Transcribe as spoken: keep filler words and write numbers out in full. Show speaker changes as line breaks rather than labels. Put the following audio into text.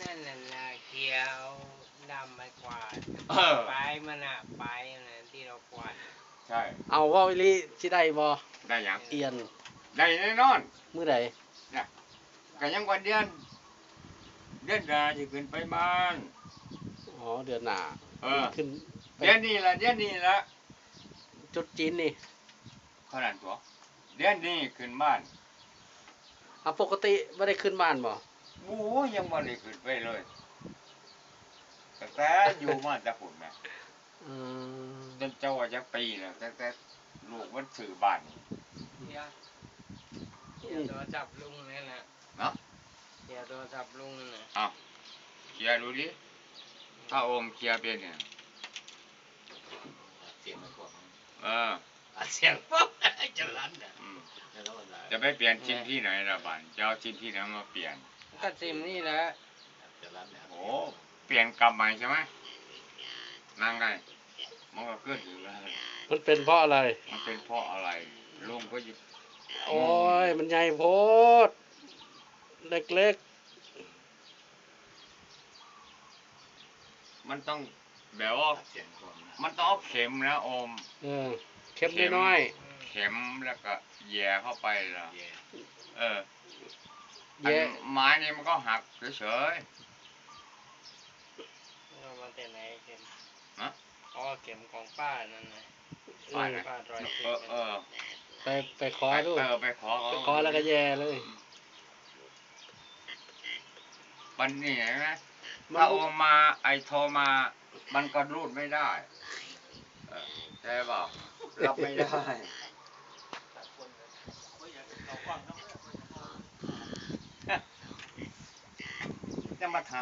นั่นน่ะนะเขียวดำไม่กวาด
เออ
ไปมันอะไปนะที่เรากวาด
ใช่
เอาเว่าอีหลีสิได้บ่
ได้หยัง
เอียน
ได้แน่นอน
มื้อใด
เนี่ยก็ยังวันเดือน เดือนหน้าจะขึ้นไปบ้าน
อ๋อเดือนหน้า
เออ
ขึ้นไป
เดือนนี้ละเดือนนี้ละ
จุดจีนนี่
ขนาดตัวเดือนนี้ขึ้นบ้าน
อ่ะปกติบ่ได้ขึ้นบ้านบ่
โอ้ยยังบ่ได้ขึ้นไปเลยแต่แต่อยู่มาแต่ฝุ่นนะ
อืม
จนเจ้าว่าจะปีแล้วแต่แต่ลูกมันสื่อบ้านนี่
เขียวเขียวโทรศัพท์ลุงนั่นแหละ
เนาะ
เขียวโทรศัพท์ลุงนั่นน่ะ
เอาเคลียร์ดูดิถ้าโอมเคลียร์เป็นเนี่ย
เสียงมันกว่า
เออ
เสียงปุ๊บจะลั่นอ่ะ
อืมจะไปเปลี่ยนชิ้นที่ไหนละบ้านจะเอาชิ้นที่ไหนมาเปลี่ยน
ก็ซิมนี่แหละ
จะลั่นเนี่ย
โอ้เปลี่ยนกลับใหม่ใช่ไหมนั่งไงมันก็เกิดอยู่แล้ว
มันเป็นเพราะอะไร
มันเป็นเพราะอะไรลุงก็หยิบ
โอ้ยมันใหญ่โพดเล็ก
มันต้องแบบว่า
เสียงกว่า
มันต้องเอาเข็มนะโอม
ๆเออเข็มน้อย
เข็มแล้วก็แย่เข้าไปละ
เย่
เออ
ๆ
อัน
แยะ
ไม้นี่มันก็หักเฉย
เอามาแต่ไหนเข็ม
ฮะ
อ๋อเข็มของป้านั่นนะ
ๆป้านะ
ป้ารอย
เอ
เข็
อ
ม
เออ
ไปไปขอดู
ไปเออไปขอ
ไปขอแล้วก็แย่เลย
ปันนี่เห็นไหม
มัน
ถ้าโอมมาไอโทรมา มันก็รูดไม่ได้เออใช่เปล่ารับไม่ได้จะมาถาม